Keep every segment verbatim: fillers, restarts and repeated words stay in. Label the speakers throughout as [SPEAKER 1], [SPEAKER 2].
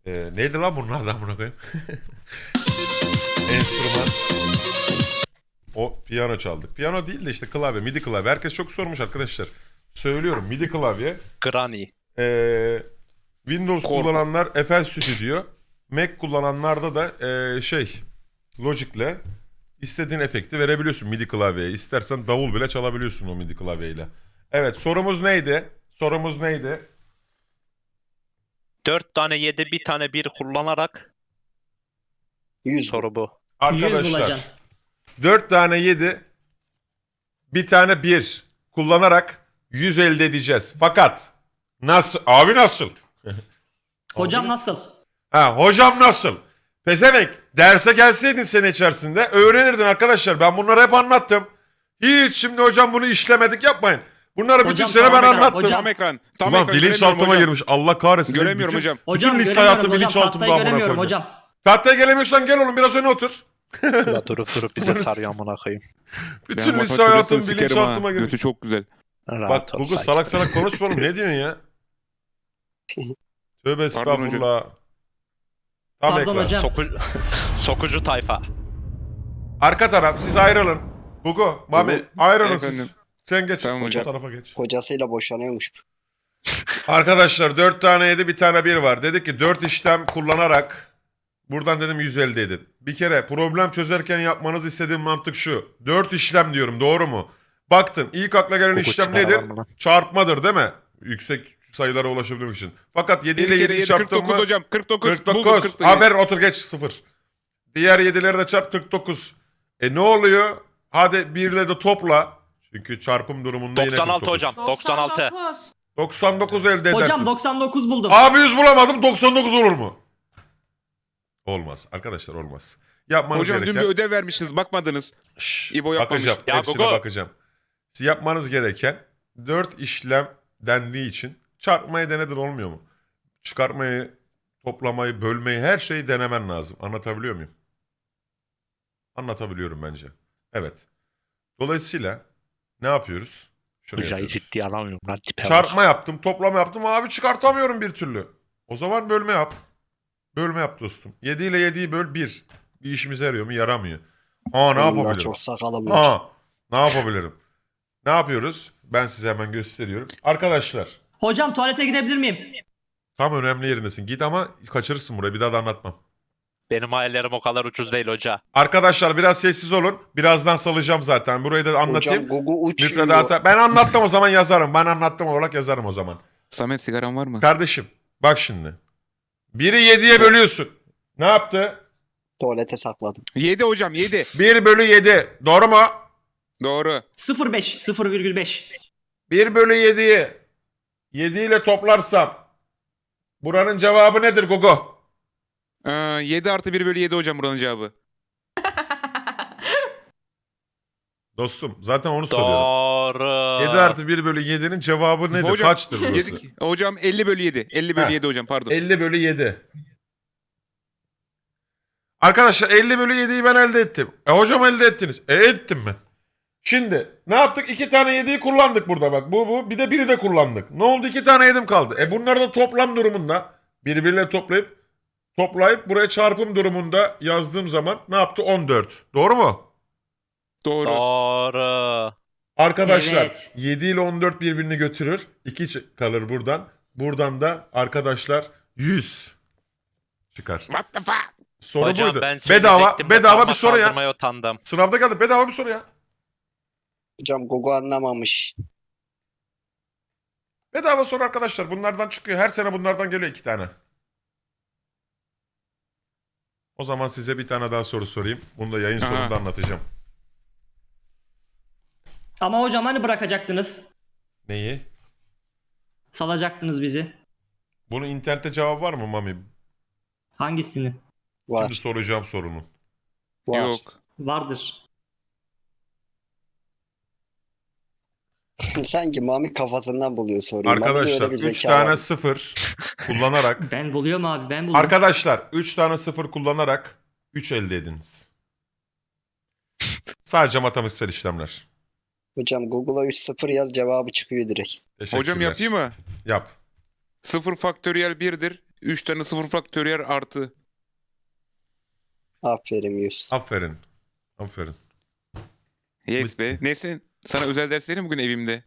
[SPEAKER 1] Ee, neydi lan bunlardan buna koyayım? Enstrüman. O piyano çaldık. Piyano değil de işte klavye, midi klavye. Herkes çok sormuş arkadaşlar. Söylüyorum midi klavye.
[SPEAKER 2] Granny.
[SPEAKER 1] Ee, Windows
[SPEAKER 3] Kork.
[SPEAKER 1] kullananlar F L Studio. Mac kullananlarda da ee, şey Logic'le istediğin efekti verebiliyorsun midi klavyeye. İstersen davul bile çalabiliyorsun o midi klavyeyle. Evet, sorumuz neydi? Sorumuz neydi?
[SPEAKER 2] Dört tane yedi, bir tane bir kullanarak
[SPEAKER 4] yüz
[SPEAKER 2] soru bu.
[SPEAKER 5] yüz
[SPEAKER 1] Arkadaşlar
[SPEAKER 5] bulacaksın.
[SPEAKER 1] dört tane yedi, bir tane bir kullanarak yüz elde edeceğiz. Fakat nasıl? Abi nasıl?
[SPEAKER 5] Hocam
[SPEAKER 1] Abi
[SPEAKER 5] nasıl?
[SPEAKER 1] Ha, hocam nasıl? Pezevenk, derse gelseydin sene içerisinde öğrenirdin arkadaşlar. Ben bunları hep anlattım. Hiç şimdi hocam bunu işlemedik yapmayın. Bunları bütün
[SPEAKER 5] Hocam,
[SPEAKER 1] sene ben
[SPEAKER 5] tamam,
[SPEAKER 1] anlattım.
[SPEAKER 5] hocam.
[SPEAKER 3] Tam ekran. Tam
[SPEAKER 1] Ulan
[SPEAKER 3] ekran.
[SPEAKER 1] bilinçaltıma
[SPEAKER 3] göremiyorum hocam.
[SPEAKER 1] girmiş. Allah kahretsin.
[SPEAKER 3] Göremiyorum
[SPEAKER 1] bütün,
[SPEAKER 3] hocam.
[SPEAKER 5] Hocam
[SPEAKER 1] Bütün lise
[SPEAKER 5] göremiyorum
[SPEAKER 1] hayatı
[SPEAKER 5] hocam.
[SPEAKER 1] bilinçaltımda
[SPEAKER 5] Tahtayı
[SPEAKER 1] amına
[SPEAKER 5] göremiyorum
[SPEAKER 1] koyayım.
[SPEAKER 5] hocam.
[SPEAKER 1] Tahtaya gelemiyorsan gel oğlum biraz öne otur.
[SPEAKER 2] Ya durup durup bize
[SPEAKER 1] Burası-
[SPEAKER 2] sarıyor amına koyayım.
[SPEAKER 1] Bütün
[SPEAKER 3] Ben
[SPEAKER 1] lise
[SPEAKER 3] matematik
[SPEAKER 1] hayatım
[SPEAKER 3] hocasını sikerim ha.
[SPEAKER 1] bilinçaltıma girmiş.
[SPEAKER 3] Götü çok güzel.
[SPEAKER 2] Rahat
[SPEAKER 1] Bak
[SPEAKER 2] ol,
[SPEAKER 1] Google
[SPEAKER 2] sakin.
[SPEAKER 1] salak salak konuşma oğlum ne diyorsun ya? Tövbe estağfurullah. Tam
[SPEAKER 5] Pardon
[SPEAKER 1] ekran.
[SPEAKER 5] hocam.
[SPEAKER 2] Soku... Sokucu tayfa.
[SPEAKER 1] Arka taraf siz ayrılın. Google, Mami
[SPEAKER 3] Google,
[SPEAKER 1] ayrılın
[SPEAKER 3] efendim.
[SPEAKER 1] siz. Sen geç.
[SPEAKER 3] Tamam
[SPEAKER 1] o
[SPEAKER 4] hocam.
[SPEAKER 1] tarafa geç.
[SPEAKER 4] Kocasıyla boşanıyormuş.
[SPEAKER 1] Arkadaşlar dört tane yedi bir tane bir var. Dedik ki dört işlem kullanarak buradan dedim yüz elde edin. Bir kere problem çözerken yapmanız istediğim mantık şu. dört işlem diyorum doğru mu? Baktın ilk akla gelen
[SPEAKER 2] Google
[SPEAKER 1] işlem
[SPEAKER 2] çıkar
[SPEAKER 1] nedir?
[SPEAKER 2] lan bunu.
[SPEAKER 1] Çarpmadır değil mi? Yüksek sayılara ulaşabilmek için. Fakat yedi
[SPEAKER 3] Bir
[SPEAKER 1] ile
[SPEAKER 3] kere
[SPEAKER 1] yediyi
[SPEAKER 3] yedi
[SPEAKER 1] çarptın
[SPEAKER 3] kırk dokuz
[SPEAKER 1] mı?
[SPEAKER 3] hocam. kırk dokuz.
[SPEAKER 1] kırk
[SPEAKER 3] Buldum,
[SPEAKER 1] dokuz.
[SPEAKER 3] kırk dokuz.
[SPEAKER 1] Haber otur geç sıfır. Diğer yedileri de çarp kırk dokuz. E ne oluyor? Hadi bir ile de topla. Çünkü çarpım durumunda yine
[SPEAKER 2] doksan altı
[SPEAKER 1] kırk dokuz.
[SPEAKER 2] hocam. doksan altı.
[SPEAKER 1] doksan dokuz elde edersin.
[SPEAKER 5] Hocam doksan dokuz buldum.
[SPEAKER 1] Abi yüz bulamadım doksan dokuz olur mu? Olmaz. Arkadaşlar olmaz. Yapmanız
[SPEAKER 3] Hocam dün
[SPEAKER 1] gereken...
[SPEAKER 3] bir ödev vermişsiniz. Bakmadınız.
[SPEAKER 1] Şşş,
[SPEAKER 3] İbo yapmamış.
[SPEAKER 1] bakacağım.
[SPEAKER 2] Ya
[SPEAKER 1] Hepsine
[SPEAKER 2] Google.
[SPEAKER 1] bakacağım. Siz yapmanız gereken dört işlem dendiği için çarpmayı denedin olmuyor mu? Çıkartmayı, toplamayı, bölmeyi her şeyi denemen lazım. Anlatabiliyor muyum? Anlatabiliyorum bence. Evet. Dolayısıyla ne yapıyoruz? Şunu
[SPEAKER 2] Hocayı
[SPEAKER 1] yapıyoruz.
[SPEAKER 2] ciddiye alamıyorum lan tipe bak.
[SPEAKER 1] Çarpma yaptım, toplama yaptım. Abi çıkartamıyorum bir türlü. O zaman bölme yap. Bölme yap dostum. yedi ile yediyi böl bir. Bir işimize yarıyor mu? Yaramıyor. Aa ne
[SPEAKER 4] Bunlar
[SPEAKER 1] yapabilirim?
[SPEAKER 4] çok sakalım var.
[SPEAKER 1] Aa ne yapabilirim? Ne yapıyoruz? Ben size hemen gösteriyorum. Arkadaşlar
[SPEAKER 5] Hocam tuvalete gidebilir miyim?
[SPEAKER 1] tam önemli yerindesin. Git ama kaçırırsın burayı. Bir daha da anlatmam.
[SPEAKER 2] Benim hayallerim o kadar ucuz değil hoca.
[SPEAKER 1] Arkadaşlar biraz sessiz olun. Birazdan salacağım zaten. Burayı da anlatayım.
[SPEAKER 4] Hocam Gugu uçuyor.
[SPEAKER 1] Müfredata. Ben anlattım o zaman yazarım. Ben anlattım olarak yazarım o zaman.
[SPEAKER 3] Samet sigaran var mı?
[SPEAKER 1] Kardeşim bak şimdi. Biri yediye bölüyorsun. Ne yaptı?
[SPEAKER 4] Tuvalete sakladım.
[SPEAKER 3] yedi hocam yedi.
[SPEAKER 1] bir bölü yedi. Doğru mu?
[SPEAKER 3] Doğru.
[SPEAKER 5] sıfır virgül beş. sıfır virgül beş.
[SPEAKER 1] bir bölü yediyi yedi ile toplarsam buranın cevabı nedir Gogo?
[SPEAKER 3] Ee, yedi artı bir bölü yedi hocam buranın cevabı.
[SPEAKER 1] Dostum zaten onu soruyorum.
[SPEAKER 2] Doğru.
[SPEAKER 1] yedi artı bir bölü yedinin cevabı nedir?
[SPEAKER 3] Hocam,
[SPEAKER 1] Kaçtır burası?
[SPEAKER 3] Yedi, hocam elli bölü yedi. elli bölü
[SPEAKER 1] Ha.
[SPEAKER 3] yedi hocam pardon.
[SPEAKER 1] elli bölü yedi. Arkadaşlar elli bölü yediyi ben elde ettim. E hocam elde ettiniz. E ettim ben. Şimdi ne yaptık? İki tane yediyi kullandık burada bak. Bu bu. Bir de biri de kullandık. Ne oldu? İki tane yedim kaldı. E bunları da toplam durumunda birbirine toplayıp toplayıp buraya çarpım durumunda yazdığım zaman ne yaptı? on dört. Doğru mu?
[SPEAKER 3] Doğru.
[SPEAKER 2] Doğru.
[SPEAKER 1] Arkadaşlar
[SPEAKER 5] Evet.
[SPEAKER 1] yedi ile on dört birbirini götürür. iki çı- kalır buradan. Buradan da arkadaşlar yüz çıkar.
[SPEAKER 3] What the fuck?
[SPEAKER 1] Soru
[SPEAKER 2] Hocam
[SPEAKER 1] buydu.
[SPEAKER 2] ben
[SPEAKER 1] Bedava
[SPEAKER 2] söyleyecektim de
[SPEAKER 1] bedava bir
[SPEAKER 2] parmak
[SPEAKER 1] soru ya.
[SPEAKER 2] kaldırmaya utandım.
[SPEAKER 1] Sınavda geldi bedava bir soru ya.
[SPEAKER 4] Hocam Gugu anlamamış.
[SPEAKER 1] Bedava soru arkadaşlar. Bunlardan çıkıyor. Her sene bunlardan geliyor iki tane. O zaman size bir tane daha soru sorayım. Bunu da yayın
[SPEAKER 3] Aha.
[SPEAKER 1] sonunda anlatacağım.
[SPEAKER 5] Ama hocam hani bırakacaktınız?
[SPEAKER 1] Neyi?
[SPEAKER 5] Salacaktınız bizi.
[SPEAKER 1] Bunun internette cevabı var mı Mami?
[SPEAKER 5] Hangisini?
[SPEAKER 4] Var.
[SPEAKER 1] Şimdi soracağım sorunun.
[SPEAKER 4] Var.
[SPEAKER 3] Yok.
[SPEAKER 5] Vardır.
[SPEAKER 4] Sanki Mami kafasından buluyor soruyu. Mami'de
[SPEAKER 1] Arkadaşlar
[SPEAKER 4] öyle bir
[SPEAKER 1] üç
[SPEAKER 4] zeka
[SPEAKER 1] tane
[SPEAKER 4] var.
[SPEAKER 1] sıfır kullanarak
[SPEAKER 5] Ben buluyorum abi ben buldum.
[SPEAKER 1] arkadaşlar üç tane sıfır kullanarak üç elde ediniz. Sadece matematiksel işlemler.
[SPEAKER 4] Hocam Google'a üç sıfır yaz cevabı çıkıyor direkt.
[SPEAKER 1] Teşekkürler.
[SPEAKER 3] Hocam yapayım mı?
[SPEAKER 1] Yap.
[SPEAKER 3] sıfır faktöriyel birdir. üç tane sıfır faktöriyel artı.
[SPEAKER 4] Aferin Yusuf.
[SPEAKER 1] Aferin. Aferin.
[SPEAKER 3] Yes be. Neyse sana özel ders vereyim bugün evimde.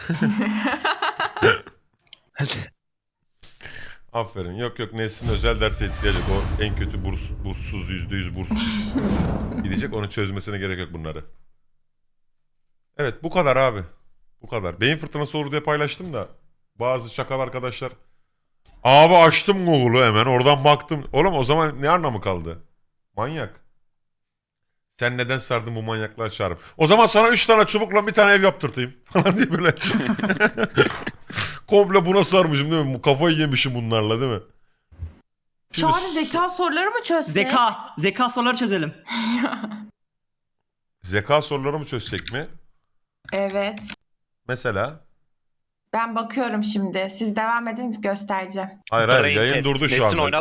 [SPEAKER 1] Aferin. Yok yok Nesin özel derse ihtiyacı. O en kötü burs, burssuz, yüzde yüz burssuz. Gidecek onu çözmesine gerek yok bunları. Evet bu kadar abi. Bu kadar. Beyin fırtınası olur diye paylaştım da. Bazı çakal arkadaşlar. Abi açtım Google'u hemen oradan baktım. Oğlum o zaman ne anlamı kaldı? Manyak. Sen neden sardın bu manyaklığa çağırıp? O zaman sana üç tane çubukla bir tane ev yaptırtayım. Falan diye böyle. Komple buna sarmışım değil mi? Bu kafayı yemişim bunlarla değil mi? Şimdi
[SPEAKER 6] Çağrı zeka soruları mı çözsek?
[SPEAKER 5] Zeka. Zeka soruları çözelim.
[SPEAKER 1] zeka soruları mı çözsek mi?
[SPEAKER 6] Evet.
[SPEAKER 1] Mesela?
[SPEAKER 6] Ben bakıyorum şimdi. Siz devam edin göstereceğim.
[SPEAKER 1] Hayır hayır
[SPEAKER 2] Brain
[SPEAKER 1] yayın
[SPEAKER 2] test.
[SPEAKER 1] durdu şu
[SPEAKER 2] Nesin
[SPEAKER 1] anda.
[SPEAKER 2] oynat